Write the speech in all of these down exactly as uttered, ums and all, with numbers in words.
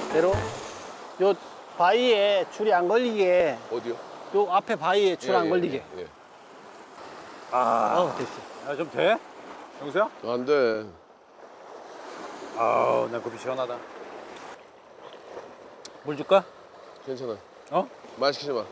대로 요 바위에 줄이 안 걸리게. 어디요? 요 앞에 바위에 줄 안 예, 걸리게. 예, 예. 아, 어, 됐어. 야, 좀 돼? 영수야? 안 돼. 아우, 난 커피 시원하다. 물 줄까? 괜찮아. 어? 말 시키지 마.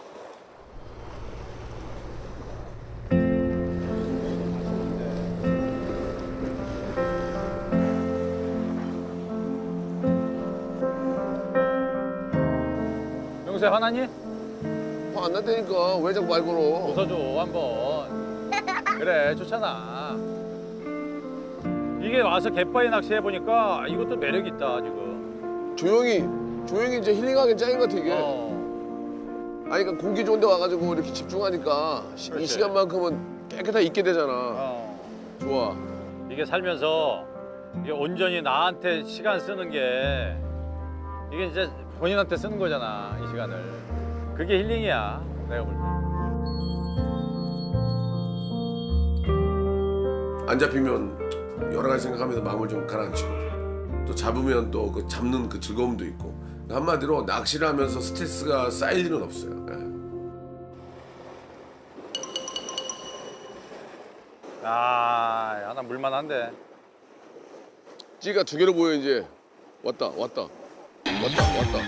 영수야, 화나니? 화 안 난다니까. 왜 자꾸 말 걸어? 웃어줘, 한번. 그래, 좋잖아. 이게 와서 갯바위 낚시해보니까 이것도 매력 있다, 지금. 조용히, 조용히 이제 힐링하기 짱인 것 같아, 이게. 어. 아니, 그러니까 공기 좋은 데 와가지고 이렇게 집중하니까 시, 이 그렇지. 시간만큼은 깨끗하게 있게 되잖아. 어. 좋아. 이게 살면서 이게 온전히 나한테 시간 쓰는 게 이게 이제 본인한테 쓰는 거잖아, 이 시간을. 그게 힐링이야, 내가 볼 때. 안 잡히면 여러 가지 생각하면서 마음을 좀 가라앉히고 또 잡으면 또 그 잡는 그 즐거움도 있고 한마디로 낚시를 하면서 스트레스가 쌓일 일은 없어요. 예. 아, 하나 물만한데. 찌가 두 개로 보여 이제. 왔다 왔다 왔다 왔다.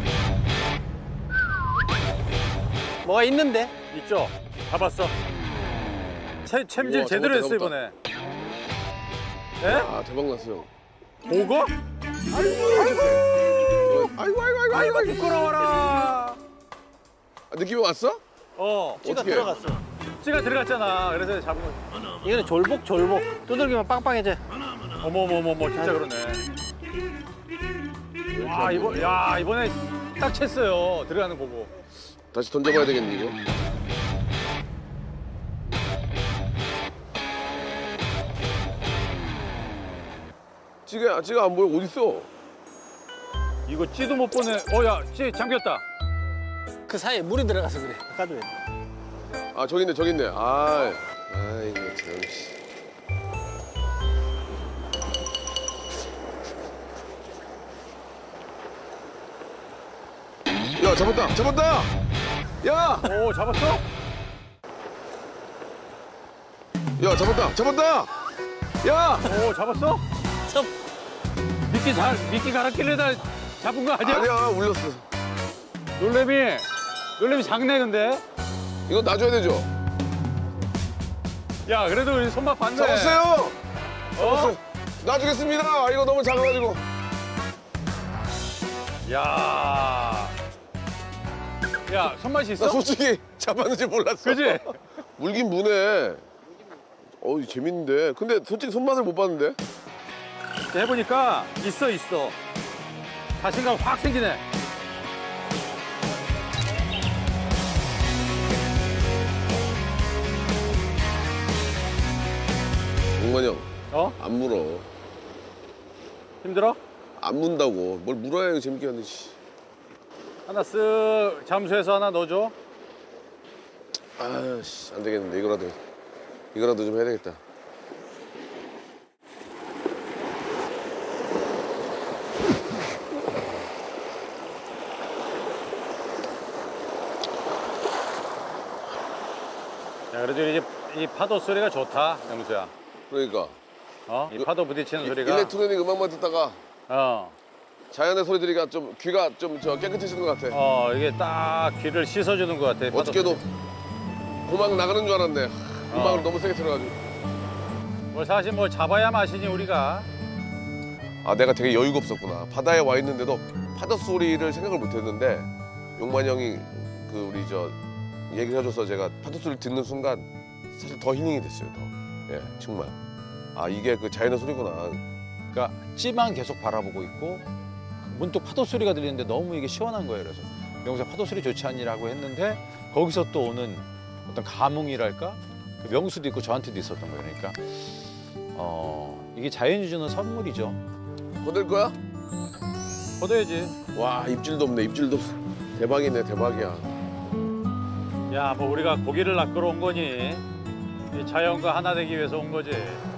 뭐가 있는데? 있죠? 잡았어. 채, 챔질 우와, 제대로 잡았다, 했어, 잡았다. 이번에. 예? 아 대박 났어요. 보고? 아이고 아이고 아이고 아이고 아이고. 부끄러워라. 아, 느낌이 왔어? 어, 찌가 어떻게? 들어갔어. 찌가 들어갔잖아. 그래서 잡은 거. 이거는 졸복 졸복. 두들기면 빵빵해져. 어머머머머, 진짜 그러네. 와, 이번, 야, 이번에 딱 챘어요. 들어가는 거 보고. 다시 던져봐야 되겠네 이거. 찌가 찌가 안 보여. 어디 있어? 이거 찌도 못 보네. 어, 야, 찌 잠겼다. 그 사이에 물이 들어가서 그래. 아까도. 아 저기 있네 저기 있네. 아 아이고 참. 씨. 야 잡았다 잡았다. 야. 오, 잡았어? 야 잡았다 잡았다. 야. 오, 잡았어? 참. 미끼 잘, 미끼 갈아끼려다 잡은 거 아니야? 아니야 울렸어. 놀래미, 놀래미 작네, 근데. 이거 놔줘야 되죠? 야, 그래도 우리 손맛 봤네. 잡았어요. 어? 놔주겠습니다. 이거 너무 작아가지고. 야. 야, 손맛이 있어? 나 솔직히 잡았는지 몰랐어. 그지? 물긴 무네. 어우 재밌는데. 근데 솔직히 손맛을 못 봤는데. 해보니까 있어, 있어. 자신감 확 생기네. 용만이 형. 어? 안 물어. 힘들어? 안 문다고. 뭘 물어야 이거 재밌게 하는데. 씨. 하나 쓱 잠수해서 하나 넣어줘. 아씨 안 되겠는데 이거라도 이거라도 좀 해야 되겠다. 야, 그래도 이제 이 파도 소리가 좋다, 영수야. 그러니까. 어? 이 파도 부딪히는 이- 소리가. 일렉트로닉 음악만 듣다가 어. 자연의 소리 들으니까 좀 귀가 좀 저 깨끗해지는 것 같아. 어, 이게 딱 귀를 씻어주는 것 같아. 파도 어저께도 소리. 고막 나가는 줄 알았네. 음악을 어. 너무 세게 틀어가지고. 뭐 사실 뭐 잡아야 마시니 우리가. 아 내가 되게 여유가 없었구나. 바다에 와 있는데도 파도 소리를 생각을 못했는데 용만이 형이 그 우리 저 얘기를 해줘서 제가 파도 소리를 듣는 순간 사실 더 힐링이 됐어요. 더. 예 정말. 아 이게 그 자연의 소리구나. 그러니까 찌만 계속 바라보고 있고 문득 파도 소리가 들리는데 너무 이게 시원한 거예요. 그래서 명수야 파도 소리 좋지 않니라고 했는데 거기서 또 오는 어떤 감흥이랄까? 그 명수도 있고 저한테도 있었던 거예요. 그러니까 어, 이게 자연이 주는 선물이죠. 거들 거야? 걷어야지. 와 입질도 없네. 입질도 없어. 대박이네 대박이야. 야, 뭐 우리가 고기를 낚으러 온 거니 이 자연과 하나 되기 위해서 온 거지.